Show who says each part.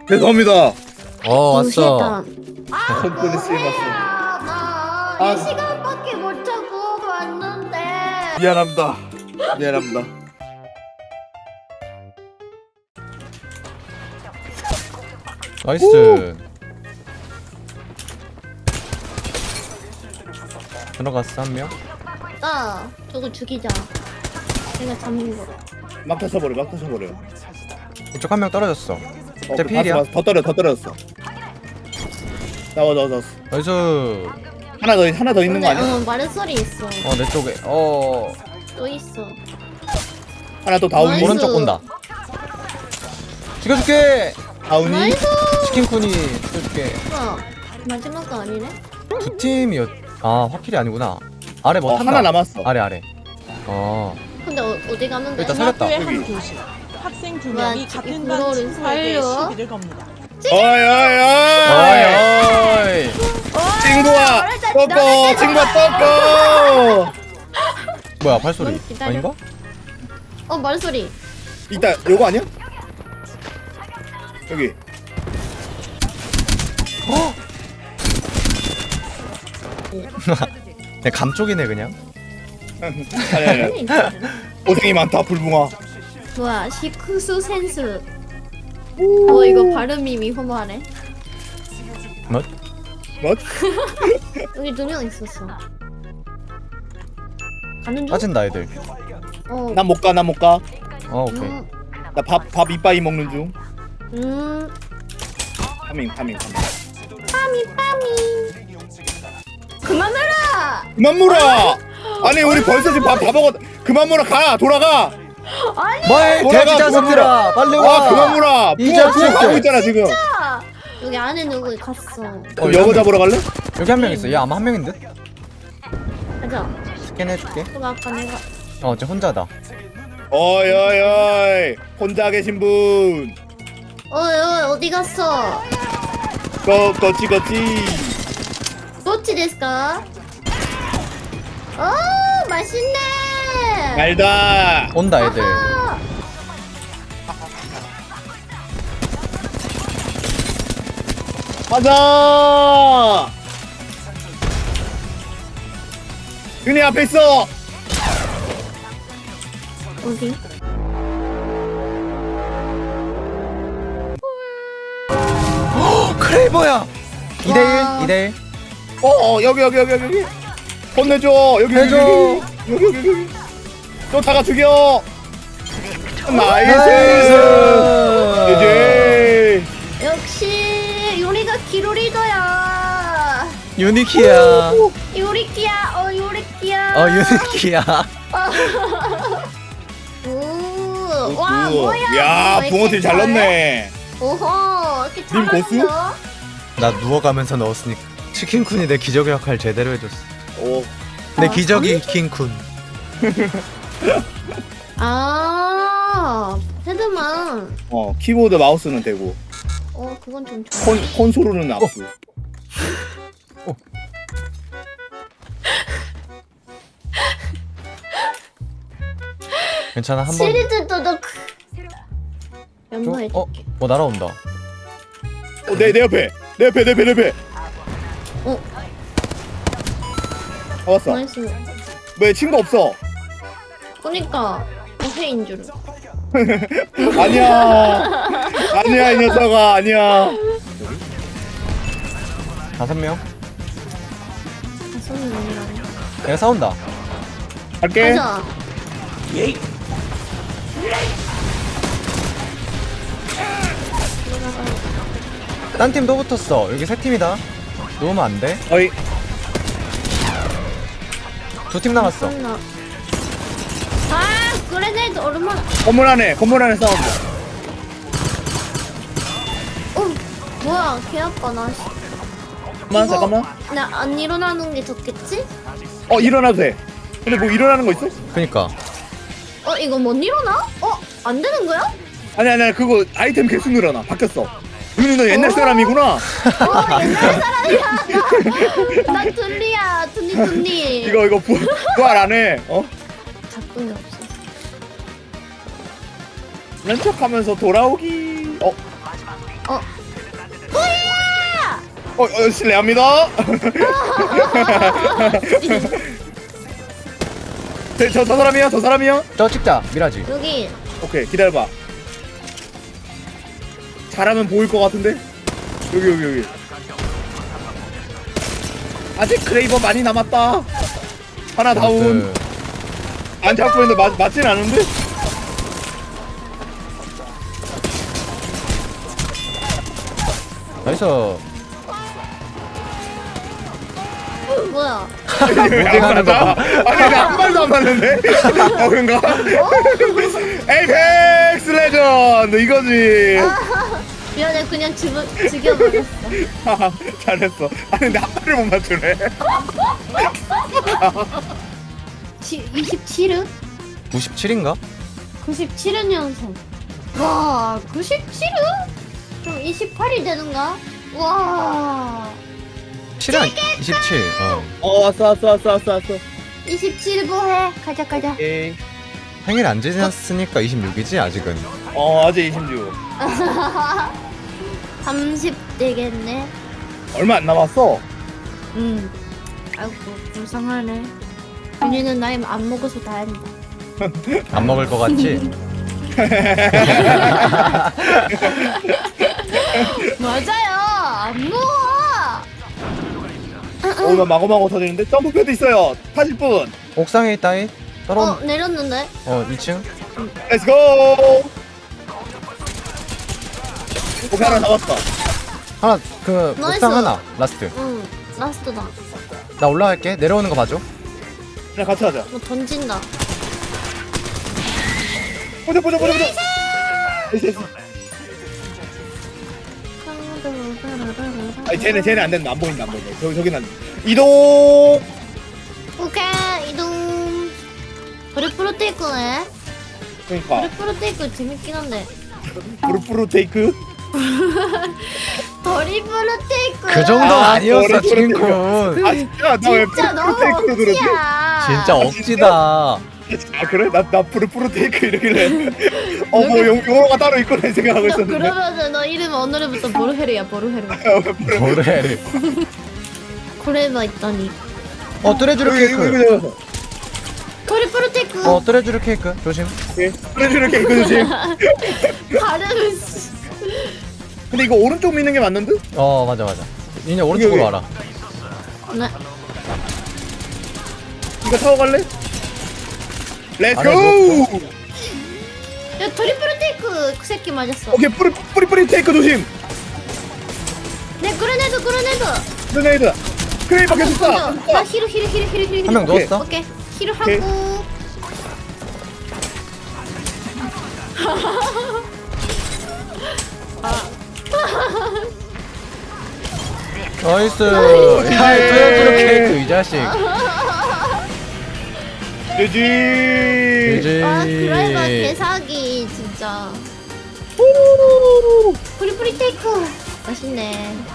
Speaker 1: 죄송합니다.
Speaker 2: 왔어.
Speaker 1: 손끈이 쓰임았어.
Speaker 3: 나 1시간밖에 못 자고 왔는데.
Speaker 1: 미안합니다. 미안합니다.
Speaker 2: 나이스. 들어갔어 한 명.
Speaker 3: 나 저거 죽이자. 내가 잡는 거.
Speaker 1: 막 터쳐버려. 막 터쳐버려.
Speaker 2: 이쪽 한 명 떨어졌어. 제 필이야.
Speaker 1: 더 떨어졌어. 나와.
Speaker 2: 나이스.
Speaker 1: 하나 더 있는 거 아니야?
Speaker 3: 말소리 있어.
Speaker 2: 내 쪽에.
Speaker 3: 또 있어.
Speaker 1: 하나 또 다운이.
Speaker 3: 나이스.
Speaker 2: 오른쪽 온다. 죽여줄게.
Speaker 1: 다운이.
Speaker 3: 나이스.
Speaker 2: 치킨쿤이 죽여줄게.
Speaker 3: 마지막 거 아니네?
Speaker 2: 두 팀이었. 확실히 아니구나. 아래 뭐 탄다.
Speaker 1: 하나 남았어.
Speaker 2: 아래.
Speaker 3: 근데 어디 가면 돼?
Speaker 2: 일단 살렸다.
Speaker 4: 학교의 한 교실. 학생 두 명이
Speaker 3: 와,
Speaker 4: 같은
Speaker 3: 이거를
Speaker 4: 반 친구에게
Speaker 3: 살려?
Speaker 4: 시비를 겁니다.
Speaker 1: 어이. 친구야. 꺾어. 친구야 꺾어.
Speaker 2: 뭐야 발소리?
Speaker 3: 넌 기다려.
Speaker 2: 아닌가?
Speaker 3: 말소리.
Speaker 1: 이따 요거 아니야? 여기.
Speaker 2: 내 감쪽이네 그냥.
Speaker 1: 아니. 고생이 많다 불붕아.
Speaker 3: 뭐야, 시쿠수 센스. 이거 발음이 미호마네.
Speaker 2: 뭐?
Speaker 3: 여기 2명 있었어. 가는 중?
Speaker 2: 빠진다 애들.
Speaker 1: 난 못 가.
Speaker 2: 오케이.
Speaker 1: 나 밥 이빠이 먹는 중. 파밍.
Speaker 3: 빠미. 그만 물어!
Speaker 1: 그만 물어. 아니 우리 벌써 지금 밥 다 먹었. 그만 물어. 가. 돌아가.
Speaker 2: 뭐해
Speaker 1: 돌아가,
Speaker 2: 돼지 자석들아 빨리
Speaker 1: 와
Speaker 2: 와.
Speaker 1: 그만 물어.
Speaker 2: 이
Speaker 1: 부어
Speaker 2: 자식들.
Speaker 1: 가고 있잖아 지금.
Speaker 3: 여기 안에 누구 갔어.
Speaker 1: 그럼 여거 잡으러 갈래?
Speaker 2: 여기 한 명 있어. 얘 아마 한 명인 듯.
Speaker 3: 가자.
Speaker 2: 스캔해줄게.
Speaker 3: 그거 아까 내가.
Speaker 2: 쟤 혼자다.
Speaker 1: 어이 혼자 계신 분.
Speaker 3: 어디 갔어?
Speaker 1: 거치.
Speaker 3: 도치 데스까? 맛있네.
Speaker 1: 알다.
Speaker 2: 온다 애들.
Speaker 1: 가자. 윤희 앞에 있어.
Speaker 3: 어디?
Speaker 2: 크레이버야. 2대1
Speaker 3: 와.
Speaker 2: 2대1.
Speaker 1: 여기. 혼내줘. 여기.
Speaker 2: 해줘.
Speaker 1: 여기. 쫓아가 죽여. 나이스.
Speaker 2: 나이스.
Speaker 1: 이제.
Speaker 3: 역시 요리가 기로리더야.
Speaker 2: 유니키야.
Speaker 3: 요리끼야. 요리끼야.
Speaker 2: 유니키야.
Speaker 3: 오. 와 뭐야?
Speaker 1: 야
Speaker 3: 왜
Speaker 1: 붕어팀
Speaker 3: 이렇게
Speaker 1: 잘
Speaker 3: 잘해?
Speaker 1: 넣네.
Speaker 3: 오호. 이렇게
Speaker 1: 님 고수?
Speaker 3: 잘하는겨?
Speaker 2: 나 누워가면서 넣었으니까. 치킨쿤이 내 기적의 역할 제대로 해줬어.
Speaker 1: 오.
Speaker 2: 내 기적이 킹쿤.
Speaker 3: 헤드만.
Speaker 1: 키보드 마우스는 되고
Speaker 3: 그건 좀 좋아.
Speaker 1: 콘솔은 압수.
Speaker 2: 괜찮아 한번.
Speaker 3: 시리즈 도덕. 연모해줄게.
Speaker 2: 날아온다.
Speaker 1: 내 옆에. 왔어.
Speaker 3: 나이스.
Speaker 1: 왜 친구 없어?
Speaker 3: 그니까 어해인 줄.
Speaker 1: 아니야 이 녀석아 아니야.
Speaker 2: 5명.
Speaker 3: 손이 아니라네.
Speaker 2: 내가 싸운다.
Speaker 1: 갈게.
Speaker 3: 가자.
Speaker 2: 딴 팀도 붙었어. 여기 3팀이다. 누우면 안 돼.
Speaker 1: 어이
Speaker 2: 2팀 남았어.
Speaker 3: 끝나. 그레네이드 얼마나.
Speaker 1: 건물 안에 싸운다.
Speaker 3: 뭐야 개 아파 나.
Speaker 1: 잠깐만.
Speaker 3: 나 안 일어나는 게 좋겠지?
Speaker 1: 일어나도 돼. 근데 뭐 일어나는 거 있어?
Speaker 2: 그니까.
Speaker 3: 이거 못 일어나? 안 되는 거야?
Speaker 1: 아니 그거 아이템 개수 늘어나. 바뀌었어. 윤희 너 옛날 사람이구나.
Speaker 3: 옛날 사람이야. 나 둘리야. 둘리.
Speaker 1: 이거 부활 안 해.
Speaker 3: 작품이 없어.
Speaker 1: 렌척하면서 돌아오기. 실례합니다. 저 사람이요? 저 사람이요?
Speaker 2: 저 찍자 미라지.
Speaker 3: 여기
Speaker 1: 오케이 기다려봐. 잘하면 보일 것 같은데? 여기 아직 크레이버 많이 남았다. 하나 다운. 안 잡고 있는데 맞진 않은데?
Speaker 2: 나이스.
Speaker 3: 뭐야?
Speaker 2: 무빙하는 거 봐.
Speaker 1: 아니 한 발도 안 맞는데? 그런가? 에이펙스 레전드 이거지.
Speaker 3: 미안해, 그냥 죽여버렸어.
Speaker 1: 잘했어. 아니 근데 한 발을 못 맞추네.
Speaker 3: 27은?
Speaker 2: 97인가?
Speaker 3: 97은 년생. 와, 97은? 그럼 28이 되는가? 와,
Speaker 2: 7은 27.
Speaker 1: 왔어.
Speaker 3: 27 뭐해? 가자.
Speaker 1: 오케이.
Speaker 2: 생일 안 지났으니까 26이지 아직은.
Speaker 1: 아직 26.
Speaker 3: 30 되겠네.
Speaker 1: 얼마 안 남았어.
Speaker 3: 아이고, 불쌍하네. 윤희는 나이 안 먹어서 다행이다.
Speaker 2: 안 먹을 것 같지?
Speaker 3: 맞아요. 안 먹어.
Speaker 1: 나 마구마구 터지는데 점프 패드 있어요. 타실 분.
Speaker 2: 옥상에 있다이. 떨어.
Speaker 3: 내렸는데?
Speaker 2: 2층.
Speaker 1: 렛츠고. 오케이 하나 잡았다.
Speaker 2: 하나 그
Speaker 3: 나이스.
Speaker 2: 옥상 하나 라스트.
Speaker 3: 응, 라스트다.
Speaker 2: 나 올라갈게. 내려오는 거 봐줘.
Speaker 1: 그냥 같이 하자.
Speaker 3: 뭐 던진다.
Speaker 1: 보자. 됐어. 아니 쟤네 안 된다. 안 보인다. 저기는 안 돼. 이동.
Speaker 3: 오케이, 이동. 브루프로 테이크네.
Speaker 1: 그러니까
Speaker 3: 브루프로 테이크 재밌긴 한데.
Speaker 1: 브루프루 테이크.
Speaker 3: 더리브로 테이크.
Speaker 2: 그 정도
Speaker 1: 아,
Speaker 2: 아니었어
Speaker 1: 머리
Speaker 2: 지금군.
Speaker 1: 아 진짜 나왜
Speaker 3: 진짜 너무
Speaker 1: 테이크로 그러지?
Speaker 3: 억지야.
Speaker 2: 진짜 억지다.
Speaker 1: 아 그래? 나 브루프루 테이크 이러길래 뭐 용어가 따로 있구나 생각하고
Speaker 3: 너
Speaker 1: 있었는데.
Speaker 3: 그러면은 너 이름 오늘부터 보르헤르야, 보르헤르.
Speaker 2: 뭐래?
Speaker 3: 고레바 있다니.
Speaker 2: 뚜레쥬르 케이크.
Speaker 1: 이거
Speaker 3: 더리브로 테이크.
Speaker 2: 뚜레쥬르 케이크 조심.
Speaker 1: 브레주르 케이크 조심.
Speaker 3: 발음은 씨.
Speaker 1: 근데 이거 오른쪽 미는 게 맞는 듯?
Speaker 2: 맞아. 이제 오른쪽으로
Speaker 1: 여기.
Speaker 2: 와라.
Speaker 3: 네.
Speaker 1: 이거 타고 갈래? 렛츠고!
Speaker 3: 야, 더리브로 테이크 그 새끼 맞았어.
Speaker 1: 오케이 뿌리 테이크 조심.
Speaker 3: 네, 그레네드.
Speaker 1: 그레네이드. 크레이버 계속 쏴.
Speaker 3: 나 히로.
Speaker 2: 한 명 누웠어?
Speaker 3: 오케이. 히로
Speaker 1: 오케이.
Speaker 3: 하고.
Speaker 2: 나이스. 야 뚜레쥬르 케이크 이 자식.
Speaker 1: GG.
Speaker 3: 드라이버 개사기 진짜. 뿌리 테이크. 맛있네.